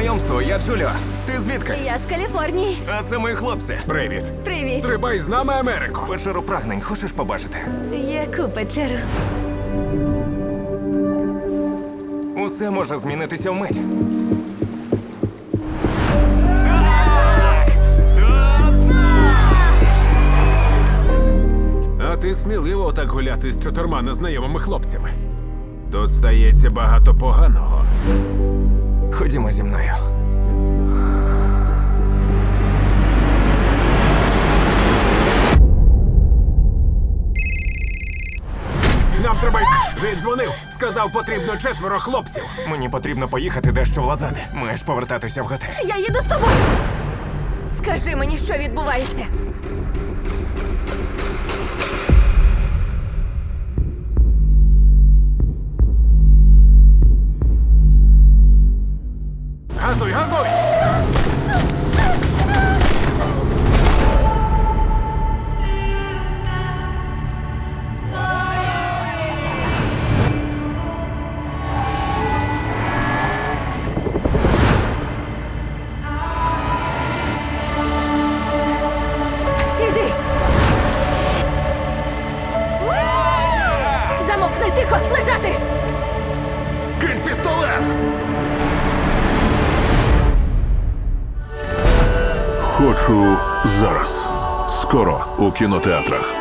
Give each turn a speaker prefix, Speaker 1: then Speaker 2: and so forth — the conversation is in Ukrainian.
Speaker 1: знайомство, я Джуліо. Ти звідки?
Speaker 2: Я з Каліфорнії.
Speaker 1: А це мої хлопці.
Speaker 3: Привіт.
Speaker 2: Привіт.
Speaker 3: Стрибай з нами, Америко.
Speaker 1: Печеру прагнень хочеш побачити?
Speaker 2: Яку печеру?
Speaker 1: Усе може змінитися вмить.
Speaker 3: А ти сміливо так гуляти з 4 незнайомими хлопцями. Тут стається багато поганого.
Speaker 1: Ходімо зі мною.
Speaker 3: Нам треба йти. Він дзвонив. Сказав, потрібно 4 хлопців.
Speaker 1: Мені потрібно поїхати дещо владнати. Маєш повертатися в готель.
Speaker 2: Я їду з тобою. Скажи мені, що відбувається.
Speaker 3: Газуй, газуй!
Speaker 2: Іди. Замовкни, тихо, лежати.
Speaker 3: Кинь пістолет!
Speaker 4: Хочу зараз. Скоро у кінотеатрах.